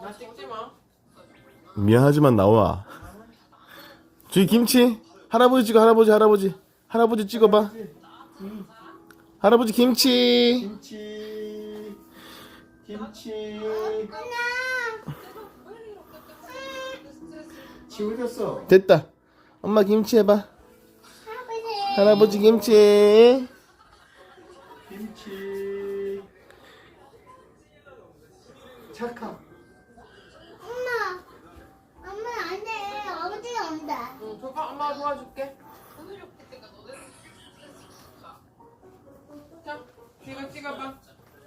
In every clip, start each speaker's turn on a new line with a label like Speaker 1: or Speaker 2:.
Speaker 1: 나 찍지 마.
Speaker 2: 미안하지만 나와. 저기 김치. 할아버지 찍어. 할아버지 찍어봐. 할아버지 김치.
Speaker 3: 김치. 지워졌어.
Speaker 2: 됐다. 엄마 김치 해봐. 할아버지 김치.
Speaker 3: 김치. 착하.
Speaker 4: 엄마 안 돼. 아버지가 온다.
Speaker 1: 응, 줘봐. 엄마가 도와줄게. 자, 이거 찍어봐.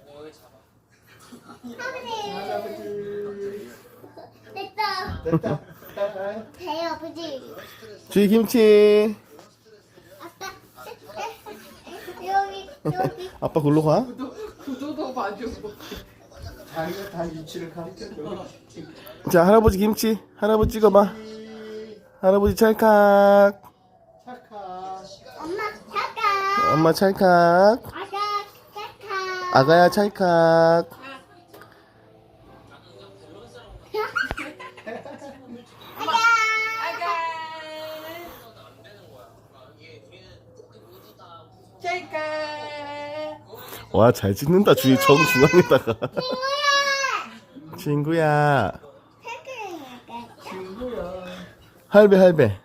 Speaker 4: 아버지.
Speaker 3: 할아버지.
Speaker 4: 됐다.
Speaker 3: 됐다.
Speaker 4: 배 아버지.
Speaker 2: 저기 김치.
Speaker 4: 아빠. 여기.
Speaker 2: 아빠 글로 가.
Speaker 1: 구도도 봐주고.
Speaker 3: 자기가 다 위치를 가르쳐줘.
Speaker 2: 자, 할아버지 김치. 할아버지 찍어봐. 할아버지 찰칵.
Speaker 3: 착하.
Speaker 4: 엄마 잠깐.
Speaker 2: 엄마 찰칵.
Speaker 4: 아가 잠깐.
Speaker 2: 아가야 찰칵.
Speaker 1: 아가. 찰까.
Speaker 2: 와, 잘 찍는다. 주위 정중앙에다가. 친구야.
Speaker 3: 친구야.
Speaker 2: 할배.
Speaker 4: 그래.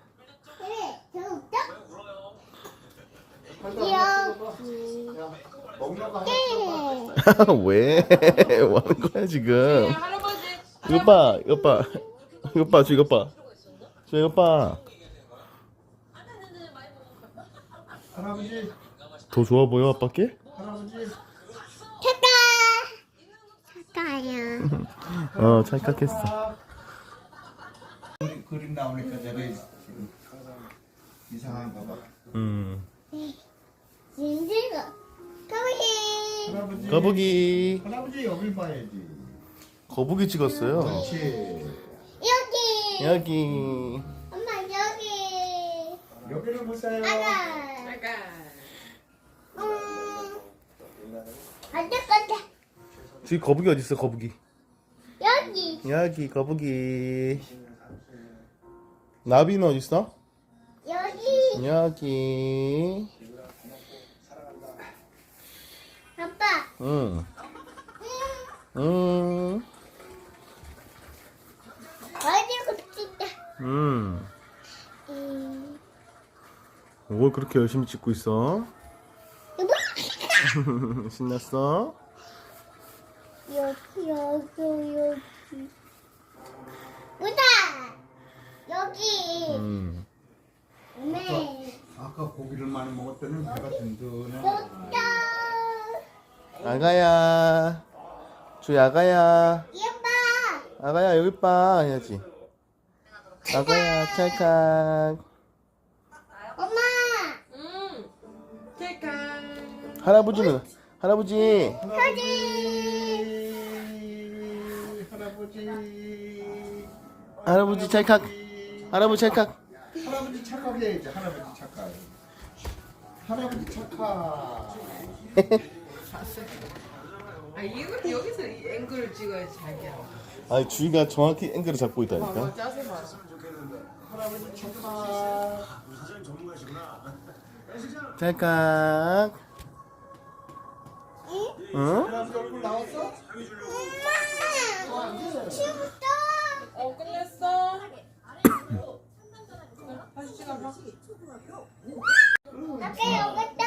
Speaker 4: 저
Speaker 3: 먹는 거 하나 줘봐.
Speaker 2: 왜? 뭐 하는 거야 지금?
Speaker 1: 할아버지.
Speaker 2: 이것 봐. 이것 봐. 이것 봐.
Speaker 3: 할아버지.
Speaker 2: 더 좋아 보여 아빠께?
Speaker 3: 할아버지.
Speaker 4: 잠깐요.
Speaker 2: 찰칵했어.
Speaker 3: 그림 나오니까 내가 지금 이상한가 봐.
Speaker 4: 진실가. 가보기.
Speaker 3: 할아버지.
Speaker 2: 거북이.
Speaker 3: 할아버지 여길 봐야지.
Speaker 2: 거북이 찍었어요.
Speaker 3: 그렇지.
Speaker 4: 여기.
Speaker 2: 여기.
Speaker 4: 엄마 여기.
Speaker 3: 여기를 보세요.
Speaker 4: 아가.
Speaker 1: 아가.
Speaker 4: 안될건데
Speaker 2: 저기 거북이 어디 있어? 거북이.
Speaker 4: 여기.
Speaker 2: 거북이. 나비는 어디 있어?
Speaker 4: 여기.
Speaker 2: 여기.
Speaker 4: 아빠.
Speaker 2: 응.
Speaker 4: 어디고 찍다.
Speaker 2: 뭘 그렇게 열심히 찍고 있어?
Speaker 4: 여보.
Speaker 2: 신났어?
Speaker 4: 여기. 보다. 여기. 네.
Speaker 3: 아까 고기를 많이 먹었더니 배가 든든해.
Speaker 4: 여기다.
Speaker 2: 아가야. 저기 아가야.
Speaker 4: 예뻐.
Speaker 2: 아가야 여기 봐 해야지. 아가야 찰칵.
Speaker 4: 엄마.
Speaker 1: 찰까.
Speaker 2: 할아버지는 할아버지. 할아버지 찰칵. 할아버지 찰칵.
Speaker 3: 할아버지 착하게 해야지. 할아버지 착하. 할아버지 착하.
Speaker 1: 아, 이거 여기서 이 앵글을 찍어야지 자기야.
Speaker 2: 아니 주희가 정확히 앵글을 잡고 있다니까.
Speaker 1: 짜세 봐.
Speaker 3: 할아버지 착하.
Speaker 2: 찰칵. 응?
Speaker 3: 할아버지 얼굴 나왔어?
Speaker 4: 엄마. 치웠어.
Speaker 1: 끝냈어. 다시 찍어봐.
Speaker 4: 아까 여기다.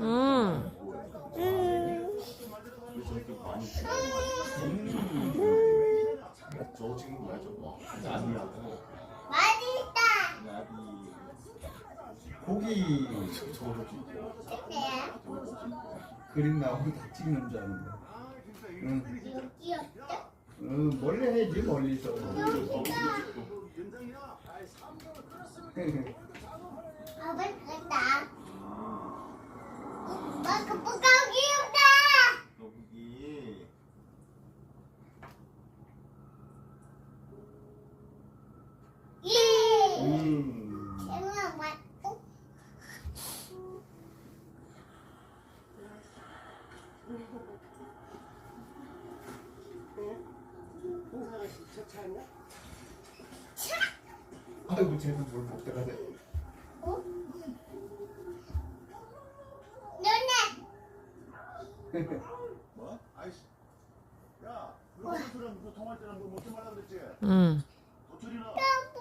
Speaker 4: 맛있다.
Speaker 3: 고기
Speaker 4: 네.
Speaker 3: 그림 나오고 다 찍는 줄 아는데. 응.
Speaker 4: 여기 없다.
Speaker 3: 응, 멀리 해야지 멀리서.
Speaker 4: 여기다. 아빠 갔다. 엄마 그 뽀까기 없다.
Speaker 2: 거북이.
Speaker 4: 엄마 왔고.
Speaker 3: 아이고 쟤는 뭘 먹다가 돼.
Speaker 4: 눈에.
Speaker 5: 뭐? 아이씨. 야, 그런 소리랑 무슨 통화할 때는 뭐 먹지 말라 그랬지?
Speaker 6: 응.
Speaker 5: 도토리나.
Speaker 4: 뽀뽀.